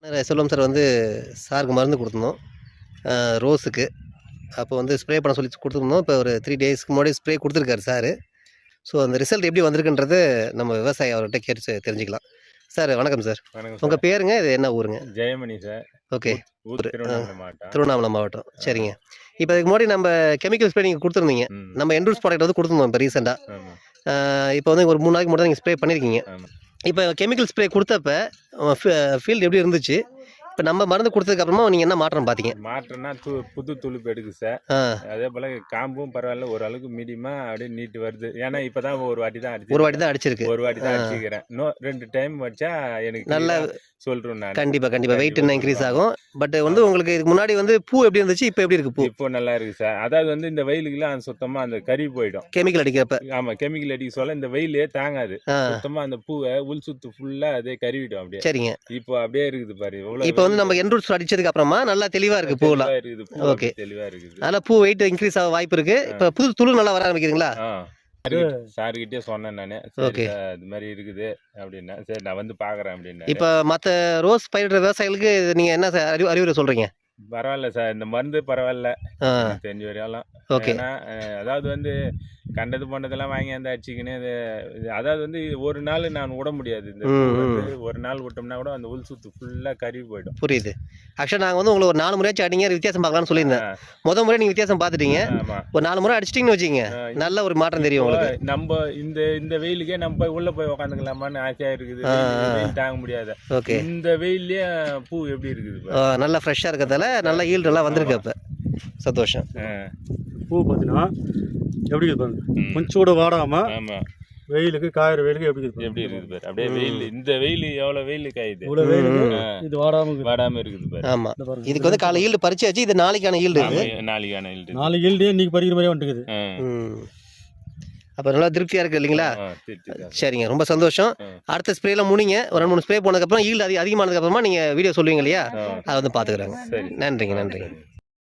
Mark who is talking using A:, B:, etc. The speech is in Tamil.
A: செல்வம் சார் வந்து சாருக்கு மருந்து கொடுத்துருந்தோம் ரோஸுக்கு. அப்போ வந்து ஸ்ப்ரே பண்ண சொல்லி கொடுத்துருந்தோம். இப்போ ஒரு 3 டேஸ்க்கு முன்னாடி ஸ்ப்ரே கொடுத்துருக்காரு சார். ஸோ அந்த ரிசல்ட் எப்படி வந்திருக்குன்றது நம்ம விவசாயி அவர்கிட்ட கேட்டு தெரிஞ்சுக்கலாம். சார் வணக்கம் சார்.
B: வணக்கம்
A: உங்கள்
B: சார்.
A: பேருங்க? இது என்ன ஊருங்க?
B: ஜெயமணி சார்.
A: ஓகே.
B: திருவண்ணாமலை மாவட்டம்.
A: திருவண்ணாமலை மாவட்டம். சரிங்க. இப்போ இதுக்கு முன்னாடி நம்ம கெமிக்கல் ஸ்ப்ரே நீங்கள் கொடுத்துருந்தீங்க. நம்ம என்ரூஸ் ப்ராடக்ட் வந்து கொடுத்துருந்தோம் இப்போ ரீசெண்டாக. இப்போ வந்து ஒரு 3 நாளைக்கு மட்டும் தான் நீங்கள் ஸ்ப்ரே பண்ணியிருக்கீங்க. இப்போ கெமிக்கல் ஸ்ப்ரே கொடுத்தப்ப ஃபீல்டு எப்படி இருந்துச்சு? இப்போ நம்ம மருந்து கொடுத்ததுக்கப்புறமா நீங்கள் என்ன மாற்றம் பார்த்தீங்க?
B: மாற்றம்னா புது துளுப்பு எடுக்குது சார். அதே போல் காம்பும் பரவாயில்ல, ஓரளவுக்கு மீடியமாக அப்படியே நீட்டு வருது. ஏன்னா இப்போ தான் ஒரு வாட்டி தான் அடிச்சிருக்கு. ஒரு வாட்டி தான் அடிச்சுக்கிறேன். இன்னும் 2 டைம் வச்சா எனக்கு நல்லா சொல்கிறேன் நான்.
A: கண்டிப்பாக வெயிட் இன்னும் இன்க்ரீஸ் ஆகும். பட் வந்து உங்களுக்கு இதுக்கு முன்னாடி வந்து பூ எப்படி இருந்துச்சு, இப்போ எப்படி இருக்கு பூ?
B: இப்போ நல்லா இருக்குது சார். அதாவது வந்து இந்த வெயிலுக்குலாம் சுத்தமாக அந்த கறி போயிடும்
A: கெமிக்கல் அடிக்கிறப்ப.
B: ஆமாம், கெமிக்கல் அடிக்க சொல்ல இந்த வெயிலே தாங்காது. சுத்தமாக அந்த பூவை உள் சுத்து ஃபுல்லாக அதே கறிவிடும் அப்படியே.
A: சரிங்க.
B: இப்போ அப்படியே இருக்குது பாரு.
A: இப்போ வந்து நம்ம என்ரூட்ஸ் அடிச்சதுக்கு அப்புறமா நல்லா தெளிவா இருக்கு பூலாம்.
B: ஓகே, தெளிவா இருக்குது.
A: அதனால பூ வெயிட் இன்க்ரீஸ் ஆக வாய்ப்பு இருக்கு. இப்போ புது துளு நல்லா வர ஆரம்பிக்குதுங்களா?
B: சார்கிட்டே சொன்னேன் நானு. ஓகே, இது மாதிரி இருக்குது அப்படின்னா சரி நான் வந்து பாக்குறேன் அப்படின்னா.
A: இப்போ மற்ற ரோஸ் பயிரிடுற விவசாயிகளுக்கு நீங்க என்ன அறிவுரை சொல்றீங்க?
B: பரவாயில்ல சார், இந்த மருந்து பரவாயில்ல தெரிஞ்ச வரையாலும். ஏன்னா அதாவது வந்து கண்டது பண்ணதெல்லாம் வாங்கி அந்த அடிச்சுக்கின்னு அதாவது வந்து ஒரு நாள் நான் விட முடியாது. இந்த ஒரு நாள் விட்டோம்னா கூட அந்த உள் சுத்து ஃபுல்லா கருவி போயிடும்.
A: புரியுது. ஆக்சுவலா நாங்கள் வந்து உங்களுக்கு ஒரு 4 முறையாச்சும் அடிங்க, வித்தியாசம் பார்க்கலாம்னு சொல்லியிருந்தேன். முத முறை நீங்க வித்தியாசம் பார்த்துட்டீங்க. ஒரு 4 முறை அடிச்சிட்டிங்கன்னு வச்சுங்க, நல்ல ஒரு மாற்றம் தெரியும் உங்களுக்கு.
B: நம்ம இந்த வெயிலுக்கே நம்ம போய் உள்ள போய் உட்காந்துக்கலாமான்னு ஆசையா இருக்குது. வெயில் தாங்க முடியாது. ஓகே, இந்த வெயிலே பூ எப்படி இருக்குது,
A: நல்லா ஃப்ரெஷ்ஷா இருக்கிறதால நல்ல ஈல்டு எல்லாம் வந்திருக்கு. அப்ப சந்தோஷம்.
C: பூ பார்த்தீங்கன்னா எப்படி இருக்கு, கொஞ்சம் கூட வாடாம வெயிலுக்கு காயிற வெயிலுக்கு எப்படி
B: இருக்குது பாரு. அப்படியே வெயில், இந்த வெயில் எவ்வளவு வெயில் காயுது,
C: இது வாடாம
B: இருக்குது பாரு.
A: ஆமா, இதுக்கு வந்து காலை ஈல்டு பறிச்சாச்சு. இது நாளைக்கான ஈல்டு.
C: நாளைக்கு ஈல்டு இன்னைக்கு பறிக்கிற மாதிரி வந்துருக்குது.
A: அப்போ நல்லா திருப்தியா இருக்கு இல்லைங்களா? சரிங்க, ரொம்ப சந்தோஷம். அடுத்த ஸ்ப்ரேல முடிங்க. ஒரு 2 3 ஸ்ப்ரே போனதுக்கப்புறம் ஈல்டு அதிகமானதுக்கு அப்புறமா நீங்க வீடியோ சொல்லுவீங்க இல்லையா, அதை வந்து பாத்துக்கிறாங்க. நன்றிங்க.